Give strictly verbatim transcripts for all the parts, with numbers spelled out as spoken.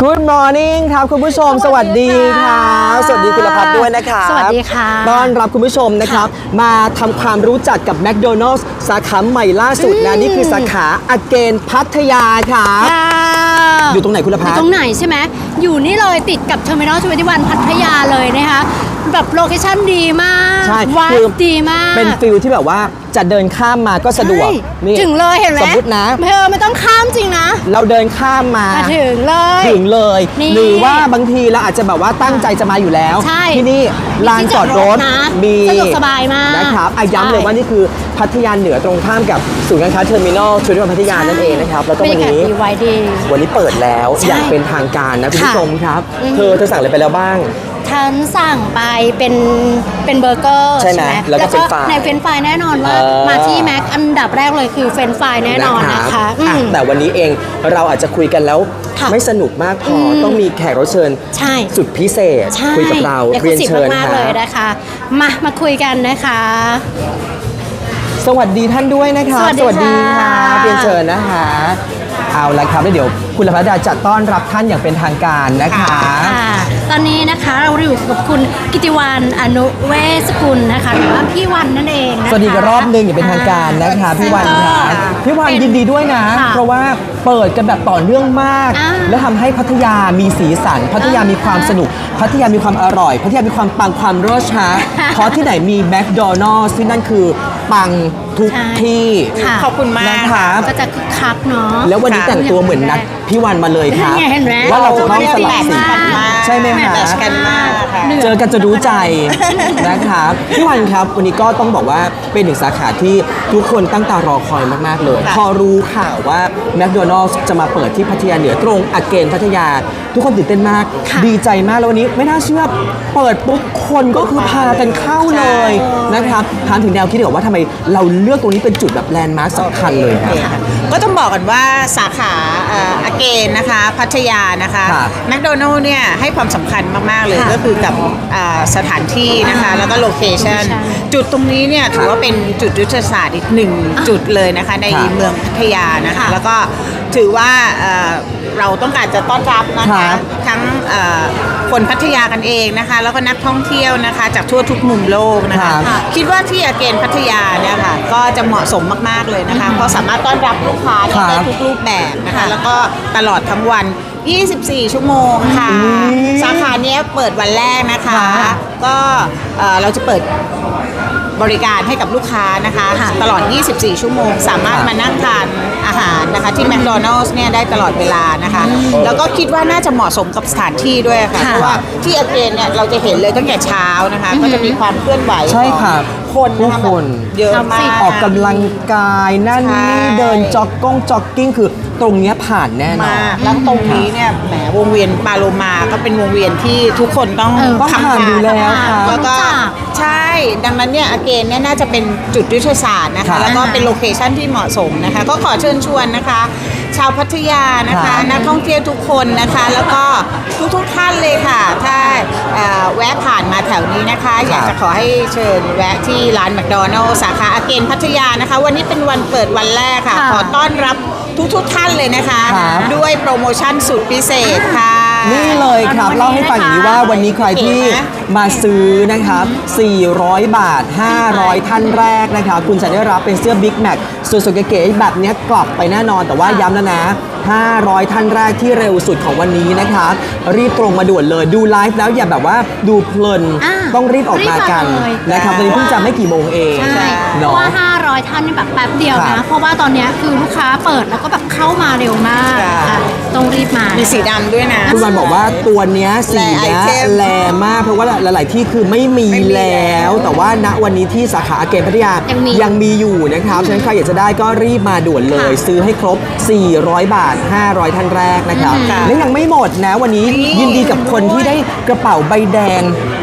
Good morning ครับคุณผู้ชมสวัสดีครับสวัสดีคุณพัฒน์ด้วยนะครับสวัสดีค่ะต้อนรับคุณผู้ชมนะครับมาทำความรู้จักกับ แมคโดนัลด์ สาขาใหม่ล่าสุดนะนี่คือสาขาอเกนพัทยาครับอยู่ตรงไหนคุณพัฒน์อยู่ตรงไหนใช่ไหมอยู่นี่เลยติดกับเทอร์มินอลทเวนตี้วันพัทยาเลยนะคะแบบโลเคชั่นดีมากใช่วัดดีมากเป็นฟิลที่แบบว่าจะเดินข้ามมาก็สะดวกนี่ถึงเลยเห็นไหมสมมตินะเธอไม่ต้องข้ามจริงนะเราเดินข้ามมาถึงเลยถึงเลยหรือว่าบางทีเราอาจจะแบบว่าตั้งใจจะมาอยู่แล้วที่นี่ลานจอดรถมีสะดวกสบายมากนะครับย้ำเลยว่านี่คือพัทยาเหนือตรงข้ามกับศูนย์การค้าเทอร์มินอลทเวนตี้วันพัทยานั่นเองนะครับแล้วก็วันนี้วันนี้เปิดแล้วอย่างเป็นทางการนะคุณผู้ชมครับเธอเธอสั่งอะไรไปแล้วบ้างฉันสั่งไปเป็นเป็นเบอร์เกอร์ใช่ไหมแล้วก็ในเฟรนช์ฟรายแน่นอนว่ามาที่แม็กอันดับแรกเลยคือเฟรนช์ฟรายแน่นอนนะคะแต่วันนี้เองเราอาจจะคุยกันแล้วไม่สนุกมากพอต้องมีแขกรับเชิญสุดพิเศษคุยกับเราเรียนเชิญมากเลยนะคะมามาคุยกันนะคะสวัสดีท่านด้วยนะคะสวัสดีค่ะเรียนเชิญนะคะเอาละครับแล้วเดี๋ยวคุณพัฒน์จะต้อนรับท่านอย่างเป็นทางการนะคะตอนนี้นะคะเราอยู่กับคุณกิติวรรณ อนุเวศกุลนะคะหรือว่าพี่วันนั่นเองนะคะสวัสดีกันรอบหนึ่งอย่างเป็นทางการนะคะพี่วันค่ะพี่วันยินดีด้วยนะเพราะว่าเปิดกันแบบต่อเนื่องมากแล้วทำให้พัทยามีสีสันพัทยามีความสนุกพัทยามีความอร่อยพัทยามีความปังความรสชาเพราะที่ไหนมีแมคโดนัลด์ซึ่งนั่นคือปังทุกที่ขอบคุณมากนะคะก็จะคึกคักเนาะแล้ววันนี้แต่งตัวเหมือนนัดพี่วันมาเลยครับว่าเราจะต้องสลับสีใช่ไหมคะเจอกันจะรู้ใจนะครับพี่วันครับวันนี้ก็ต้องบอกว่าเป็นหนึ่งสาขาที่ทุกคนตั้งตารอคอยมากๆเลยพอรู้ข่าวว่าแมคโดนัลด์จะมาเปิดที่พัทยาเหนือตรงอเกนพัทยาทุกคนตื่นเต้นมากดีใจมากแล้ววันนี้ไม่น่าเชื่อเปิดปุ๊บคนก็คือพากันเข้าเลยนะครับถามถึงแนวคิดดีกว่าว่าทำไมเราเลือกตรงนี้เป็นจุดแบบแลนด์มาร์คสำคัญเลยครับก็ต้องบอกกันว่าสาขาอเกนนะคะพัทยานะคะแมคโดนัลด์เนี่ยให้ความสำคัญมากๆเลยก็คือกับสถานที่นะคะแล้วก็โลเคชั่นจุดตรงนี้เนี่ยถือว่าเป็นจุดยุทธศาสตร์อีกหนึ่งจุดเลยนะคะในเมืองพัทยานะคะแล้วก็ถือว่าเราต้องการจะต้อนรับนะคะทั้งคนพัทยากันเองนะคะแล้วก็นักท่องเที่ยวนะคะจากทั่วทุกมุมโลกนะคะคิดว่าที่อเกนพัทยาเนี่ยค่ะก็จะเหมาะสมมากๆเลยนะคะเพราะสามารถต้อนรับลูกค้าได้ทุกรูปแบบนะคะแล้วก็ตลอดทั้งวันยี่สิบสี่ชั่วโมงค่ะสาขาเนี้ยเปิดวันแรกนะคะก็เราจะเปิดบริการให้กับลูกค้านะคะตลอดยี่สิบสี่ชั่วโมงสามารถมานั่งทานอาหารนะคะที่แมคโดนัลด์เนี่ยได้ตลอดเวลานะคะแล้วก็คิดว่าน่าจะเหมาะสมกับสถานที่ด้วยค่ะเพราะว่าที่อเกนเนี่ยเราจะเห็นเลยตั้งแต่เช้านะคะก็จะมีความเคลื่อนไหวใช่ค่ะคนผู้คนเยอะมากออกกำลังกายนั่นนี่เดินจ็อกก้งจ็อกกิ้งคือตรงนี้ผ่านแน่นอนแล้วตรงนี้เนี่ยแหมวงเวียนปาโลมาก็เป็นวงเวียนที่ทุกคนต้องทำผ่านอยู่แล้วค่ะแล้วก็ใช่ดังนั้นเนี่ยอเกนเนี่ยน่าจะเป็นจุดยุทธศาสตร์นะคะแล้วก็เป็นโลเคชั่นที่เหมาะสมนะคะก็ขอเชิญชวนนะคะชาวพัทยานะคะนักท่องเที่ยวทุกคนนะคะแล้วก็ทุกทุกท่านเลยค่ะถ้าแวะผ่านมาแถวนี้นะคะอยากจะขอให้เชิญแวะที่ร้านแมคโดนัลด์สาขาอเกนพัทยานะคะวันนี้เป็นวันเปิดวันแรกค่ะขอต้อนรับทุกทุกท่านเลยนะคะด้วยโปรโมชั่นสุดพิเศษค่ะนี่เลยครับเล่าให้ฟังอย่างนี้ว่าวันนี้ใครที่มาซื้อนะครับสี่ร้อยบาทห้าร้อยท่านแรกนะครับคุณจะได้รับเป็นเสื้อ Big Mac สวยๆเก๋ๆแบบนี้กลับไปแน่นอนแต่ว่าย้ำแล้วนะห้าร้อยท่านแรกที่เร็วสุดของวันนี้นะครับรีบตรงมาด่วนเลยดูไลฟ์แล้วอย่าแบบว่าดูเพลินต้องรีบออกมากันนะครับตอนนี้เพิ่งจะไม่กี่โมงเองเพราะว่าห้าร้อยท่านนี่แบบแป๊บเดียวนะเพราะว่าตอนนี้คือลูกค้าเปิดแล้วก็แบบเข้ามาเร็วมากต้องรีบมามีสีดำด้วยนะคุณวันบอกว่าตัวเนี้ยสีเนี้ยแรงมากเพราะว่าหลายๆที่คือไม่มีแล้วแต่ว่าณวันนี้ที่สาขาอเกนพัทยายังมีอยู่นะครับฉะนั้นใครอยากจะได้ก็รีบมาด่วนเลยซื้อให้ครบสี่ร้อยบาทห้าร้อยท่านแรกนะครับและยังไม่หมดนะวันนี้ยินดีกับคนที่ได้กระเป๋าใบแดง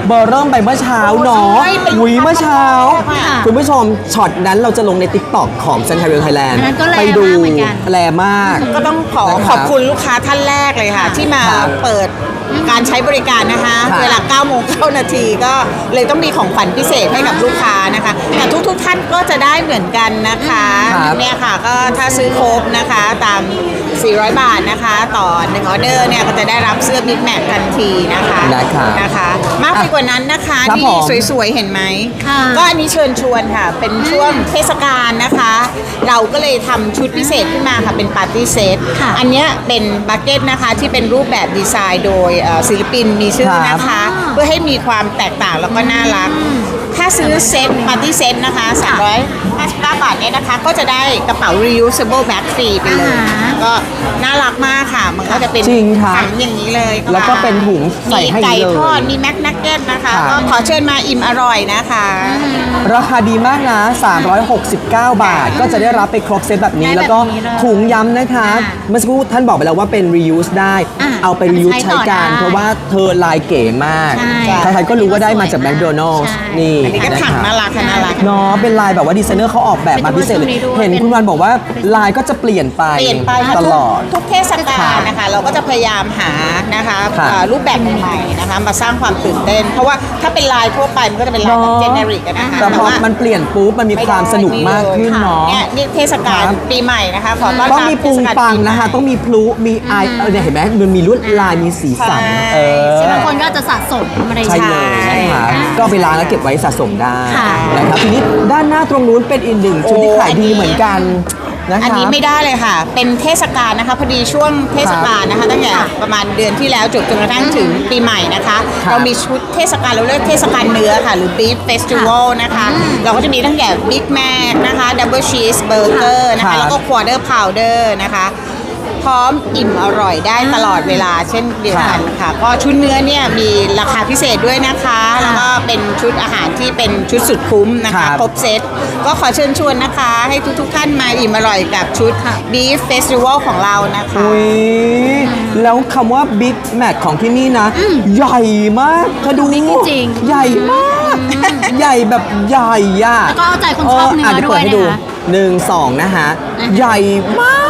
เบอร์เริ่มไปเมื่อเช้าเนาะใช่เป็นหุยเมื่อเช้าค่ะคุณผู้ชมช็อตนั้นเราจะลงใน ติ๊กต็อก ของ Central Thailand อันนั้นก็แรงไปดูมากเหมือนกันแรงมากก็ต้องขอนะครับขอบคุณลูกค้าท่านแรกเลยค่ะ ที่มาครับเปิดการใช้บริการนะคะครับเวลาเก้าโมงเก้านาทีก็เลยต้องมีของขวัญพิเศษให้กับลูกค้านะคะแต่ทุกๆท่านก็จะได้เหมือนกันนะคะครับเนี่ยค่ะก็ถ้าซื้อครบนะคะตาม สี่ร้อย บาทนะคะ ต่อหนึ่งออเดอร์เนี่ยก็จะได้รับเสื้อบิ๊กแมททันทีนะคะนะครับนะคะ มากไปกว่านั้นนะคะครับนี่ผมสวยๆ เห็นไหมค่ะก็อันนี้เชิญชวนค่ะ เป็นช่วงเทศกาลนะคะ เราก็เลยทำชุดพิเศษขึ้นมาค่ะ เป็นปาร์ตี้เซตค่ะอันเนี้ยเป็นบักเก็ตนะคะที่เป็นรูปแบบดีไซน์โดยเอ่อศิลปินมีชื่อนะคะครับเพื่อให้มีความแตกต่างแล้วก็น่ารัก ถ้าซื้อเซตปาร์ตี้เซตนะคะสามร้อยห้าสิบเก้าบาทเนี่ยนะคะ ก็จะได้กระเป๋า reusable bag ฟรีไปเลยอ่าฮะก็น่ารักมากค่ะ มันก็จะเป็นจริงครับถังอย่างนี้เลยค่ะแล้วก็เป็นถุงใส่ให้มีไก่เลยทอดมีแม็กนักเก็ตนะคะครับก็ขอเชิญมาอิ่มอร่อยนะคะราคาดีมากนะ สามร้อยหกสิบเก้า บาท ก็จะได้รับไปครบเซตแบบนี้ได้แบบแล้วก็นี้เลยถุงย้ำนะคะอ่าเมื่อสักครู่ท่านบอกไปแล้วว่าเป็น reuse ได้อ่าเอาไป reuse ใช้ใช้ต่อการได้เพราะว่าเธอลายเก๋มากใช่ใครๆก็รู้ว่าได้มาจากสวยมาก McDonald's ใช่นี่อันนี้ก็ถังน่ารักค่ะน่ารักเนาะเป็นลายแบบว่าดีไซเนอร์เขาออกแบบมาพิเศษเลยเป็นตัวนี้ด้วยเห็นคุณวันบอกว่าลายก็จะเปลี่ยนไปเปลี่ยนไปตลอดทุกเทศกาลนะคะ เราก็จะพยายามหานะคะครับเอ่อรูปแบบใหม่ๆนะคะมาสร้างความตื่นเต้น เพราะว่าถ้าเป็นลายทั่วไปมันก็จะเป็นลายแบบเจเนริกนะคะแต่พอว่ามันเปลี่ยนปุ๊บมันมีความสนุกมากขึ้นเนาะเนี่ยนี่เทศกาลครับปีใหม่นะคะขอต้อนรับต้องมีปุงเทศกาลปังปีใหม่นะคะ ต้องมีพลุมีไอเออเนี่ยเห็นไหมมันมีลวดลายมีสีสันใช่เออซึ่งบางคนก็จะสะสมอะไรใช่เลยนะคะก็เอาไปล้างแล้วเก็บไว้สะสมได้ค่ะนะครับทีนี้ด้านหน้าตรงนู้นเป็นอีกหนึ่งชุดที่โอ้ขายดีเหมือนกันนะคะอันนี้ไม่ได้เลยค่ะ เป็นเทศกาลนะคะพอดีช่วงเทศกาลนะคะตั้งแต่ประมาณเดือนที่แล้วจบจนกระทั่งถึงปีใหม่นะคะครับเรามีชุดเทศกาลเราเรียกเทศกาลเนื้อค่ะ หรือ Beef Festival นะคะ เราก็จะมีตั้งแต่ Big Mac นะคะ Double Cheese Burger นะครัคะบแล้วก็ Quarter Pounder นะคะ พร้อมอิ่มอร่อยได้ตลอดเวลาเช่นเดียวกันค่ะ ก็ชุดเนื้อเนี่ยมีราคาพิเศษด้วยนะคะ แล้วก็เป็นชุดอาหารที่เป็นชุดสุดคุ้มนะครัคะบครบเซตก็ขอเชิญชวนนะคะ ให้ทุกๆท่านมาอิ่มอร่อยกับชุด Beef Festival ของเรานะคะอุ้ยแล้วคำว่า Big Mac ของที่นี่นะ ใหญ่มากเธอดูบิ๊กจริงใหญ่มาก ใหญ่แบบใหญ่อะแล้วก็เอาใจคนชอบเนื้อเดี๋ด้วยเปิให้ดูนะคะหนึ่งสองนะฮะอ่าฮะใหญ่มาก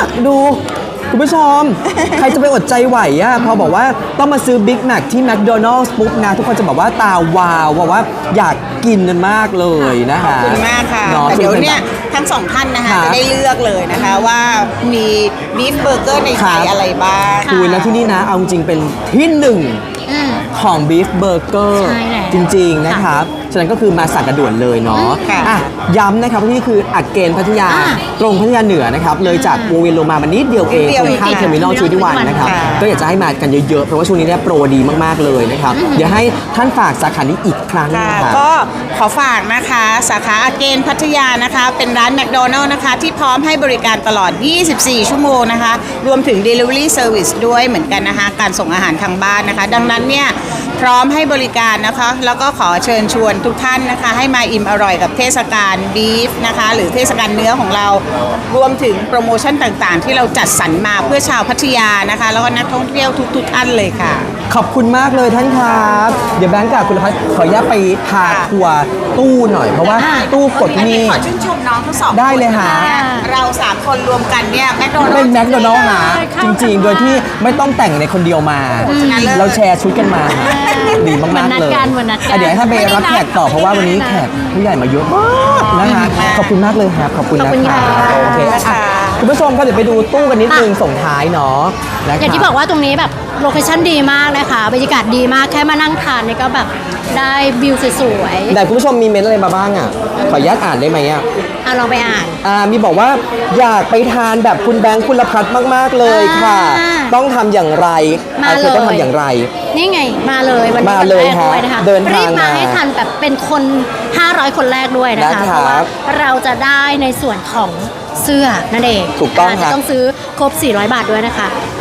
ดู คุณผู้ชม ใครจะไปอดใจไหวอะพอบอกว่าต้องมาซื้อ Big Mac ที่ McDonald's ปุ๊บนะ ทุกคนจะบอกว่าตาวาวบอกว่าอยากกินกันมากเลยนะขอบฮะคุณมากค่ะนาะแต่เดี๋ยวเนี่ยทั้งสองท่านนะคะครับจะได้เลือกเลยนะคะว่ามีบีฟเบอร์เกอร์ในครัไทบยอะไรบ้างคุยแล้วที่นี่นะ เอาจริงๆเป็นที่หนึ่งอืมของ Beef Burger ใช่แล้วจริง ๆ นะครับ ฉะนั้นก็คือมาสั่งกระด่วนเลยเนาะค่ะอ่ะย้ำนะครับว่านี่คืออักเกนพัทยาอ่าตรงพัทยาเหนือนะครับ เลยจากวงเวียนโลมามันนิดเดียวเองนิดเดียวตรงข้ามเองเทอร์มินอลค่ะชูดิวันนะครับค่ะก็อยากจะให้มากันเยอะ ๆ เพราะว่าช่วงนี้เนี่ยโปรดีมาก ๆ เลยนะครับ เดี๋ยวให้ท่านฝากสาขานี้อีกครั้งค่ะนะครับก็ขอฝากนะคะ สาขาอาเกนพัทยานะคะ เป็นร้านแมคโดนัลล์นะคะ ที่พร้อมให้บริการตลอด ยี่สิบสี่ ชั่วโมงนะคะ รวมถึง Delivery Service ด้วยเหมือนกันนะคะ การส่งอาหารทางบ้านนะคะ ดังนั้นเนี่ยพร้อมให้บริการนะคะ แล้วก็ขอเชิญชวนทุกท่านนะคะ ให้มาอิ่มอร่อยกับเทศกาลบีฟนะคะ หรือเทศกาลเนื้อของเรา รวมถึงโปรโมชั่นต่างๆ ที่เราจัดสรรมาเพื่อชาวพัทยานะคะ แล้วก็นักท่องเที่ยวทุกๆท่านเลยค่ะขอบคุณมากเลยท่านครับ เดี๋ยวแบงค์กับคุณพัฒน์ขออนุญาตไปพาทัวร์ตู้หน่อย เพราะว่าตู้กดที่นี่ขอชื่นชมน้องทั้งสองได้เลยฮะคนนเราสามคนรวมกันเนี่ยแมคโดนัลเป็นล์แมคโดนัลล์หาเข้าจริง ๆ โดยที่ไม่ต้องแต่งในคนเดียวมาชนะเลิศเราแชร์ชุดกันมาดีมากๆเลยเหมือนนัดกันเหมือนนัดกันอ่ะเดี๋ยวให้ท่านไปรับแขกต่อเพราะว่าวันนี้แขกผู้ใหญ่มาเยอะมากนะคะขอบคุณมากเลยครับขอบคุณขอบนะคุณครัค่ะบโอเคอ่ะคุณผู้ชมครับเดี๋ยวไปดูตู้กันนิดนึงส่งท้ายเนาะนะคะอย่างที่บอกว่าตรงนี้แบบโลเคชั่นดีมากเลยค่ะบรรยากาศดีมากแค่มานั่งทานนี่ก็แบบได้วิวสวยแต่คุณผู้ชมมีเมนต์อะไรมาบ้างอ่ะขออนุญาตอ่านได้ไหมอ่ะๆเอาเราไปอ่านอ่ามีบอกว่าอยากไปทานแบบคุณแบงค์คุณพัฒน์มากๆเลยค่ะอ่าต้องทำอย่างไรมาอ่ะเลยคือต้องทำอย่างไรนี่ไงมาเลยวันนี้มาวันเลยแรกด้วยนะคะฮะเดินทางรีบมามาให้ทันแบบเป็นคน ห้าร้อย คนแรกด้วยนะคะนะครับเพราะว่าเราจะได้ในส่วนของเสื้อนั่นเองถูกต้องาครัจะบต้องซื้อครบ สี่ร้อย บาทด้วยนะคะ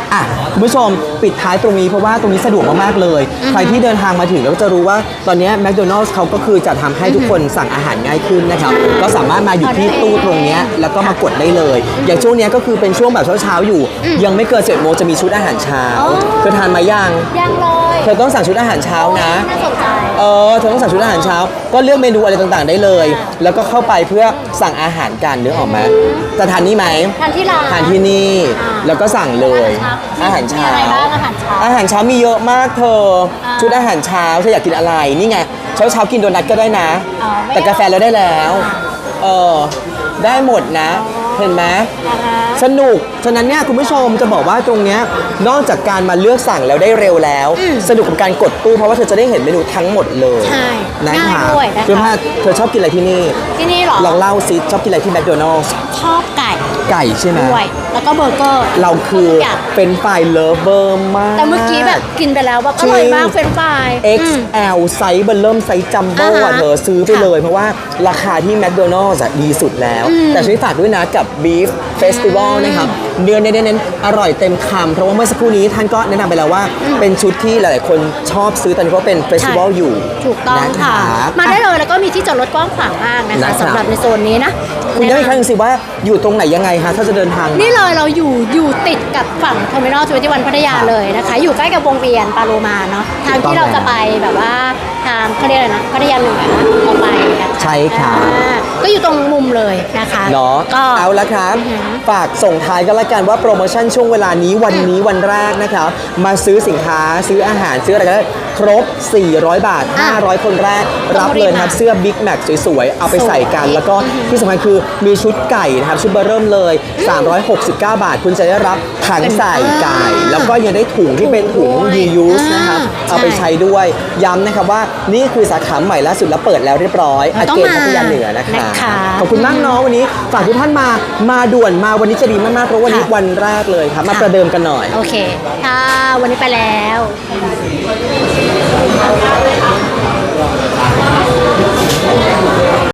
อ่ะคุณผู้ชมปิดท้ายตรงนี้เพราะว่าตรงนี้สะดวกมากๆเลย ใครที่เดินทางมาถึงแล้วจะรู้ว่าตอนนี้แมคโดนัลด์เขาก็คือจะทำให้ทุกคนสั่งอาหารง่ายขึ้นนะครับก็สามารถมาอยู่ที่ตู้ตรงนี้แล้วก็มากดได้เลย อย่างช่วงนี้ก็คือเป็นช่วงแบบเช้าๆอยู่ ยังไม่เกินเจ็ดโมงจะมีชุดอาหารเช้าเธอทานมายังยังเลยเธอต้องสั่งชุดอาหารเช้านะน่าสนใจเออเธอต้องสั่งชุดอาหารเช้า ก็เลือกเมนูอะไรต่างๆได้เลย แล้วก็เข้าไปเพื่อสั่งอาหารกันนึกออกไหมจะทานนี่ไหมทานที่ร้านทานที่นี่ แล้วก็สั่งเลย อาหารเช้ามีอะไรบ้างอาหารเช้าอาหารเช้ามีเยอะมากเธอ ชุดอาหารเช้าเธออยากกินอะไร นี่ไง เช้าเช้าๆกินโดนัทก็ได้นะอ๋อไม่แต่กาแฟเราได้แล้ว เออ ได้หมดนะ เห็นไหมอ่าฮะสนุก ฉะนั้นเนี่ยคุณผู้ชมจะบอกว่าตรงเนี้ยนอกจากการมาเลือกสั่งแล้วได้เร็วแล้ว สนุกกับการกดตู้เพราะว่าเธอจะได้เห็นเมนูทั้งหมดเลยใช่นะง่ายคะด้วยนะคะเพื่อนพาเธอชอบกินอะไรที่นี่ที่นี่เหรอลองเล่าซิชอบกินอะไรที่แมคโดนัลด์ชอบไก่ไก่ใช่ไหมด้วย แล้วก็เบอร์เกอร์เราคือทุกย่างเป็นไฟเลิฟเวอร์มากแต่เมื่อกี้แบบกินไปแล้วแบบอร่อยมากเฟรนช์ฟรายเอ็กอืซ์มแอล ไซส์เบอร์เริ่มไซส์จัมโบ้อ่าอะฮะเธอซื้อไปค่ะเลย เพราะว่าราคาที่แมคโดนัลด์ดีสุดแล้วอืมแต่ช่วยฝากด้วยนะกับ Beef Festival นะครับเนื้อเน้นๆอร่อยเต็มคำเพราะว่าเมื่อสักครู่นี้ท่านก็แนะนำไปแล้วว่า เป็นชุดที่หลายๆคนชอบซื้อตอนนี้เพราะเป็นเฟสติวัลอยู่ถูกต้องนค่ะรับมาได้เลยแล้วก็มีที่จอดรถกว้างขวางมากนะนะครัคะบสำหรับในโซนนี้นะคุณย้ำอีกครั้งหนึงสิว่าอยู่ตรงไหนยังไงคะถ้าจะเดินทางมานี่เลยเราอยู่อยู่ติดกับฝั่งเทอร์มินอลทเวนตี้วันพัทยาเลยนะคะ อยู่ใกล้กับวงเวียนปาโลมาเนาะทางที่เราจะไปแบบว่าทางเขาเรียกอะไรนะพัทยาเหนือออกไปนะคะใช่ค่ะอ่าก็อยู่ตรงมุมเลยนะคะเนาะก็เอาละครับอือหือฝากส่งท้ายกันละกันว่าโปรโมชั่นช่วงเวลานี้วันนี้วันแรกนะครับ มาซื้อสินค้าซื้ออาหารซื้ออะไรก็ได้ครบ สี่ร้อยบาทอ่ะห้าร้อย คนแรกต้รัองบรีบเลยนะครับมาเสื้อ Big Mac สวยๆ เอาไปใส่กันสวยแล้วก็ที่สำคัญคือมีชุดไก่นะครับ ชุดเบอร์เริ่มเลย สามร้อยหกสิบเก้า บาท คุณจะได้รับถังใส่ไก่ แล้วก็ยังได้ถุงที่เป็นถุง reuse นะครับอ่าเอาไปใช้ด้วยย้ำนะครับว่านี่คือสาขาใหม่ล่าสุดแล้วเปิดแล้วเรียบร้อยอาต้องเกนมาพัทยาเหนือนะคะนะคะขอบคุณมากเน้องวันนี้ฝากทุกท่านมา มาด่วนมาวันนี้จะดีมากๆเพราะวันนี้ค่ะวันแรกเลยครับ มาค่ะประเดิมกันหน่อยโอเคค่ะวันนี้ไปแล้ว